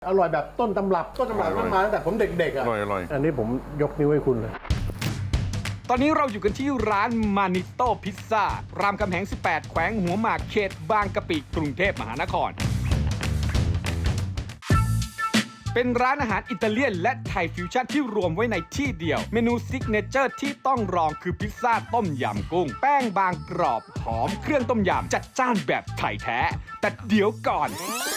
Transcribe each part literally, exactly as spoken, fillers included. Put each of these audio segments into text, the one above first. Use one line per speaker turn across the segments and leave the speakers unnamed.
อร่อยแบบต้นตำรับต้นตำรับมันมาตั้งแต่ผมเด็กๆอ่ะ
อร่อยอร่อย
อันนี้ผมยกนิ้วให้คุณเลย
ตอนนี้เราอยู่กันที่ร้านมานิโต้พิซซ่ารามคำแหง สิบแปด แขวงหัวหมากเขตบางกะปิกรุงเทพมหานคร เป็นร้านอาหารอิตาเลียนและไทยฟิวชั่นที่รวมไว้ในที่เดียว เมนูซิกเนเจอร์ที่ต้องลองคือพิซซ่าต้มยำกุ้ง แป้งบางกรอบหอมเครื่องต้มยำจัดจ้านแบบไทยแท้ แต่เดี๋ยวก่อน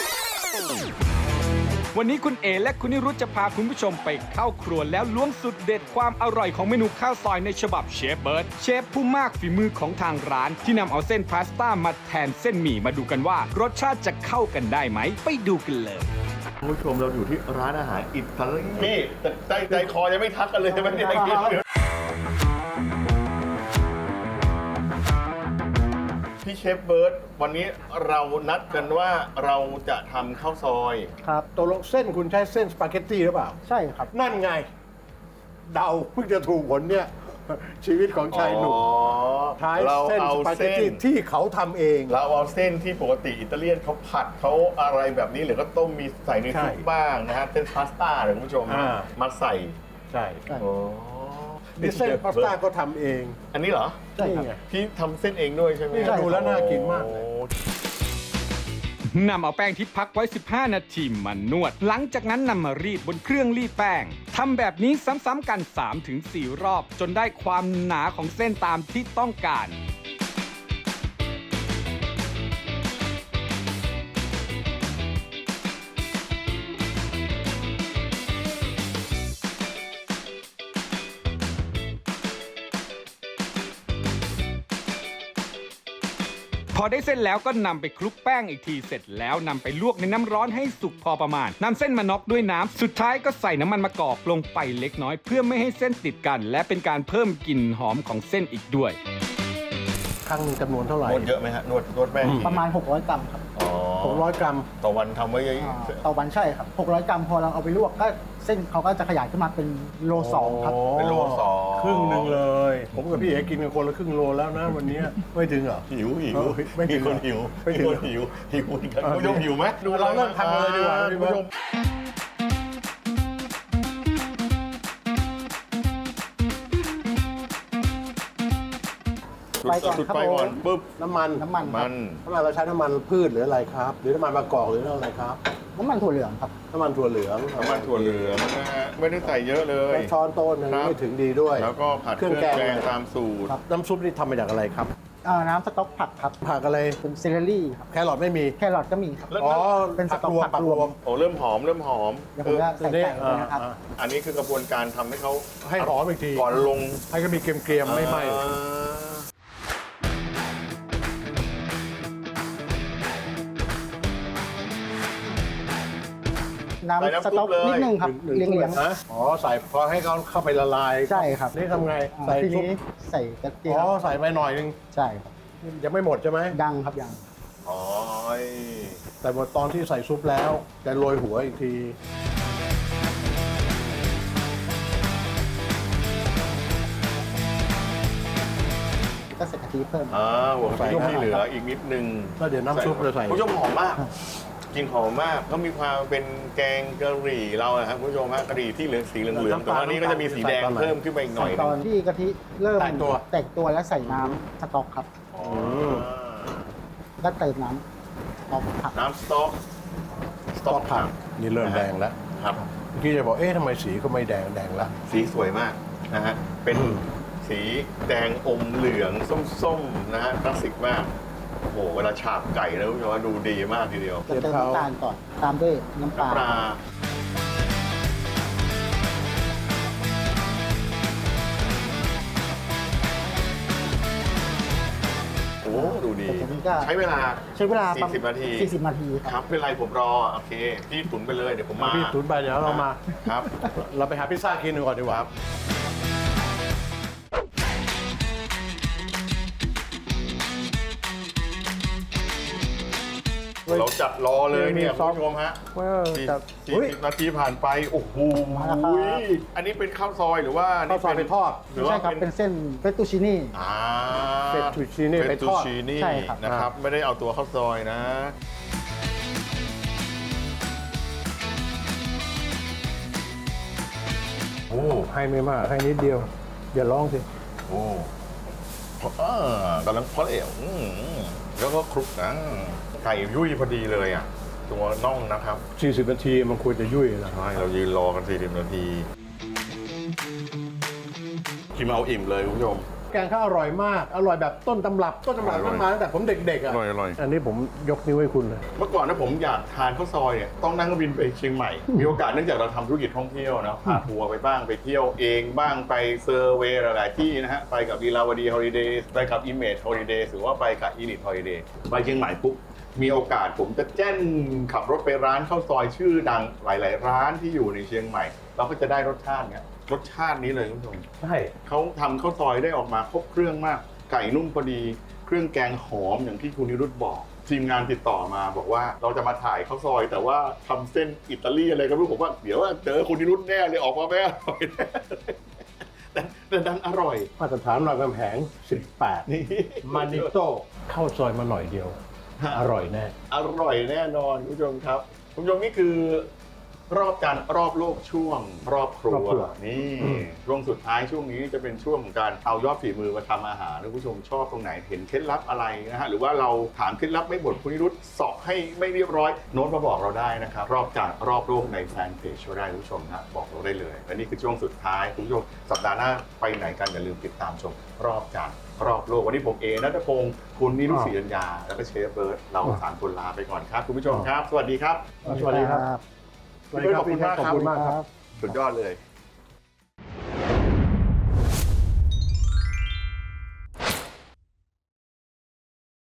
วันนี้คุณเอและคุณนิรุธจะพาคุณผู้ชมไปเข้าครัวแล้วล้วงสุดเด็ดความอร่อยของเมนูข้าวซอยในฉบับเชฟเบิร์ดเชฟผู้มากฝีมือของทางร้านที่นำเอาเส้นพาสต้ามาแทนเส้นหมี่มาดูกันว่ารสชาติจะเข้ากันได้ไหมไปดูกันเลย
คุณผู้ชมเราอยู่ที่ร้านอาหารอิตาลีนี่แต่ใจใจคอยังไม่ทักกันเลยใช่ไหมเนี่ยพี่เชฟเบิร์ดวันนี้เรานัดกันว่าเราจะทำข้าวซอย
ครับตกลงเส้นคุณใช้เส้นสปาเกตตี้หรือเปล่า
ใช่ครับ
นั่นไง เดาเพิ่งจะถูกผลเนี่ย ชีวิตของชายหนุ่ม
อ๋อ
ใช้
เรา
เส้น
เอา
สปาเกต
เส้
ตี้
น
ที่เขาทำเอง
เราเอาเส้นที่ปกติอิตาเลียนเขาผัดเขาอะไรแบบนี้หรือก็ต้มมีใส่ใน
ใช่
ซุปบ้างนะฮะเส้นพาสต้าหรือคุณผู้ชม
อ่า
มาใส่
ใช่
ใช่
โอ้
นี่เส้นพาสต้าก็ทำเอง
อันนี้เหรอ
ใช่ครับ
นี่ไง
พี่ทำเส้นเองด้วยใช่ไหม
นี่ดูแล้วน่ากินมากเลย
โอ้
นำเอาแป้งที่พักไว้ สิบห้า นาทีมานวด หลังจากนั้นนำมารีดบนเครื่องรีดแป้ง ทำแบบนี้ซ้ำๆกัน สามถึงสี่ รอบ จนได้ความหนาของเส้นตามที่ต้องการ พอได้เส้นแล้วก็นำไปคลุกแป้งอีกทีเสร็จแล้วนำไปลวกในน้ำร้อนให้สุกพอประมาณนำเส้นมาน็อกด้วยน้ำสุดท้ายก็ใส่น้ำมันมะกอกลงไปเล็กน้อย เพื่อไม่ให้เส้นติดกัน และเป็นการเพิ่มกลิ่นหอมของเส้นอีกด้วย
ครั้งหนึงจำนวนเท่าไหร่
นวดเยอะไหมฮะนวดนวดแป้ง
ประมาณ หกร้อย กรัมครับ
อ๋อ
หกร้อยกรัม
ต่อวันทำไว้เยอะ
อ่าต่อวันใช่ครับ หกร้อย กรัมพอเราเอาไปลวกก็เส้นเขาก็จะขยายขึ้นมาเป็นโลสองครับ
เป็นโลสอง
ครึ่งหนึ่งเลย ผมกับพี่เอ๋กินกันคนละครึ่งโลแล้วนะวันนี้ไม่ถึงเหรอ
หิวหิว
เออไม่ถึง
มีคนหิว
ไม่ถึ
มี
ง
คนหิวหิวเหมือนกัน
เออ
คุณผู้ชมหิวไหม
เราเริ่มทำกันเลยดีกว่าพี่
คุณ
เบิร์ต
ผู้ชม
ไปก่อน
จุด
ครับ
ไฟก่อน
ผม
ปุ๊บ
น้ำมัน
น้ำมันค
มั
รับ
น
น้ำมันเราใช้น้ำมันพืชหรืออะไรครับ หรือน้ำมันมะกอกหรืออะไรครับ
น้ำมันถั่วเหลืองครับ
น้ำมันถั่วเหลือง
น้ำมันถั่วเหลืองนะฮะไม่ได้ใส่เยอะเลย
แล้วช้อนโต๊ะหนึ่ง
ครับ
ไม่ถึงดีด้วย
แล้วก็ผัดเครื่องแกงตามสูตร
ครับ
น้ำซุปนี่ทำมาจากอะไรครับ
อ่าน้ำสต๊อกผักครับ
ผักอะไร
เป็นเซเลอรี่ครับ
แครอทไม่มี
แครอทก็มีครับ
แล้ว
อ๋อ
เป็นสต๊อก
รวม
ผัก
ผัก
ร
ร
ว
ว
ม
ม
โอ้เริ่มหอมเริ่มหอม
เดี๋ยวผมจะใส่ไก่ไปนะครับ
อ่า
อันนี้คือกระบวนการทำให้เขา
ให้หอมอีกที
ก่อนลง
ให้ก็มีเกรียมๆไม่ไหม้
อ่า
น้ำสต๊อกนิดนึงครับ
หนึ่ง
เลี้ยง
ถ้ว
เลี้ยง
นะอ๋อใส่พอให้เขาเข้าไปละลาย
ใช่ครับ
นี่ทำไง
อ่า
ใส่
ที
ซุป
นี้ใส่กระเทีย
อ๋อ
ม
ใส่ไปหน่อยนึง
ใช่ครับ
ยังไม่หมดใช่ไหม
ยังครับยัง
อ๋อ
แต่หมดตอนที่ใส่ซุปแล้วจะโรยหัวอีกที
ก็ใส่กะทิเพิ่ม
อ่าหัว
ใส่
ไข่
เข้าไป
ที่เหลืออีกนิดนึง
แล้วเดี๋ยวน้ำซุปจะใส่
คุณผู้ชมหอมมากกลินหอมมากก็มีความเป็นแกงกะหรี่เราอะครับคุณผู้ชมฮะกะหรี่ที่เหลืองสีเหลืองๆแต่ว่าอันนี้ก็จะมีสีแดงเพิ่มขึ้นไปอีกหน่อย
ตอนที่กะทิเริ่ม
แตกตัว
แตกตัวแล้วใส่น้ำสต๊อกครับ
อ๋อ
ก็เติมน้ำสต๊อกผัก
น้ำสต๊อกสต๊อกผัก
นี่เริ่มแดงแล้ว
ครับ
เมื่อกี้จะบอกเอ๊ะทำไมสีก็ไม่แดงแดงละ
สีสวยมากนะฮะเป็น
อืม
สีแดงอมเหลืองส้มๆนะฮะคลาสสิกมากโอ้โหเวลาฉาบไก่แล้วคุณผู้ชมว่าดูดีมากทีเดียว
จะเติมน้ำตาลก่อน ตามด้วยน้ำปลา
ปลาโอ้ดูดี
แต่ทีนี้ก็
ใช้เวลา
ใช้เวลาประมาณ
สี่สิบนาที
สี่สิบนาที
ค
ค
รั
รั
บบ เป็นไรผมรอ โอเค พี่ตุ๋นไปเลยเดี๋ยวผมมา
พี่ตุนไปเดี๋ยวเรามา
ครับ
เราไปหาพิซซ่ากินกันก่อนดีกว่า
เราจัดรอเลยเนี่ย
มีซ
คุ
อ
ณ
ส
ผู้ชมฮะ
เว้ย
สี่
แต่
สี่
เฮ้ย
สิบนาทีผ่านไป โอ้โห
มาแล้วครับ
อันนี้เป็นข้าวซอยหรือว่า
ข้าวซอยไปทอด
หรือ
ไม่
ว่า
ใช่ครับ เป็นเส้นเฟตตูชินี่
อ่า
เฟตตูชินี่ไปทอด
เฟตตูชินี่
ใช่ครับ
นะครับ ไม่ได้เอาตัวข้าวซอยนะอ้
ให้ไม่มากให้นิดเดียวอย่าร้องสิ
โอ้เออกำลังเพาะเอวอืมแล้วก็คลุกนะไก่ยุ่ยพอดีเลยอ่ะตัวน่องนะครับ
สี่สิบนาทีมันควรจะยุ่ยนะ
ใช่เรายืนรอกันสี่สิบนาทีกินเอาอิ่มเลยคุณผู้ชม
แกงเขาอร่อยมากอร่อยแบบต้นตำรับต้นตำรับ
อร่อย
มันมาตั้งแต่ผมเด็กๆ
อ
อ่ะ
ร่อยอร่อย
อันนี้ผมยกนิ้วให้คุณเลย
เมื่อก่อนนะผมอยากทานข้าวซอยเนี่ยต้องนั่งเครื่องบินไปเชียงใหม่ มีโอกาสเนื่องจากเราทำธุรกิจท่องเที่ยวนะพาทัวร์ไปบ้างไปเที่ยวเองบ้างไปเซอร์เวย์หลายๆที่นะฮะไปกับลีลาวดีฮอลิเดย์ไปกับ Image Holiday หรือว่าไปกับ Elite Holiday ไปเชียงใหม่ปุ๊บมีโอกาสผมจะแจ้นขับรถไปร้านข้าวซอยชื่อดังหลาย ๆ ร้านที่อยู่ในเชียงใหม่ เราก็จะได้รสชาติเนี้ยรสชาตินี้เลยคุณผู้ชม
ใช่
เขาทำข้าวซอยได้ออกมาครบเครื่องมาก ไก่นุ่มพอดี เครื่องแกงหอมอย่างที่คุณนิรุตบอก ทีมงานติดต่อมาบอกว่าเราจะมาถ่ายข้าวซอย แต่ว่าทำเส้นอิตาลีอะไรก็ไม่รู้ผมว่าเดี๋ยวเจอคุณนิรุตแน่เลยออกมาไม่อร่อยแน่แต่แต่ดันอร่อย
มาตรฐานรามคำแหงสิบแปด
นี่
มานิโต้เข้าซอยมาหน่อยเดียว อร่อยแน่
อร่อยแน่นอนคุณผู้ชมครับคุณผู้ชมนี่คือ รอบการรอบโลกช่วงรอบครั
รอบ
ว
ครัว
นี่ช่วงสุดท้ายช่วงนี้จะเป็นช่วงของการเอายอดฝีมือมาทำอาหารคุณผู้ชมชอบตรงไหนเห็นเคล็ดลับอะไรนะฮะหรือว่าเราถามเคล็ดลับไม่หมดคุณนิรุตสอบให้ไม่เรียบร้อยโน้ตมาบอกเราได้นะครับรอบการรอบโลกในแฟนเพจช่วยได้คุณผู้ชมนะบอกเราได้เลยและนี่คือช่วงสุดท้ายคุณผู้ชมสัปดาห์หน้าไปไหนกันอย่าลืมติดตามชมรอบการรอบโลกวันนี้ผมเอณัฐพงศ์คุณนิรุตศรีอัญญาแล้วก็เชฟเบิร์ดเราสามคนลาไปก่อนครับคุณผู้ชมครับ สวัสดีครับ
สวัสดีครับ สวัสดีครับ
ขอบคุณมากครับ
ขอบคุณมากครับ
สุดยอดเลย